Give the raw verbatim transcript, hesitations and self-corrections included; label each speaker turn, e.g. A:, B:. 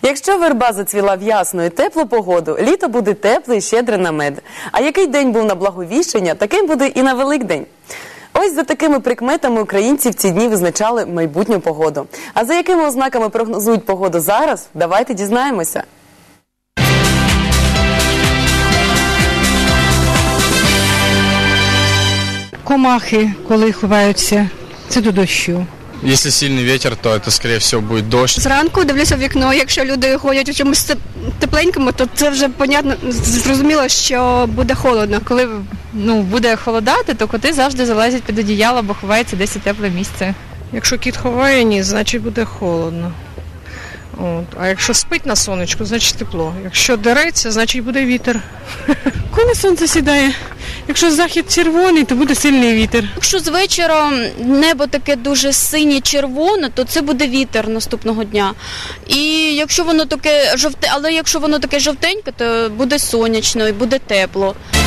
A: Якщо верба зацвіла в ясну і теплу погоду, літо буде тепле і щедре на мед. А який день був на Благовіщення, таким буде і на Великдень. Ось за такими прикметами українці в ці дні визначали майбутню погоду. А за якими ознаками прогнозують погоду зараз, давайте дізнаємося.
B: Комахи, коли ховаються, це до дощу.
C: Якщо сильний вітер, то це, скоріше всього, буде дощ.
D: Зранку дивлюся в вікно, якщо люди ходять у чомусь тепленькому, то це вже, понятно, зрозуміло, що буде холодно.
E: Коли ну, буде холодати, то коти завжди залазять під одіяло, бо ховається десь у тепле місце.
F: Якщо кіт ховає, ні, значить буде холодно. От. А якщо спить на сонечку, значить тепло. Якщо дереться, значить буде вітер.
B: Коли сонце сідає, якщо захід червоний, то буде сильний вітер.
G: Якщо з вечора небо таке дуже синє-червоне, то це буде вітер наступного дня. І якщо воно таке жовте, але якщо воно таке жовтеньке, то буде сонячно і буде тепло.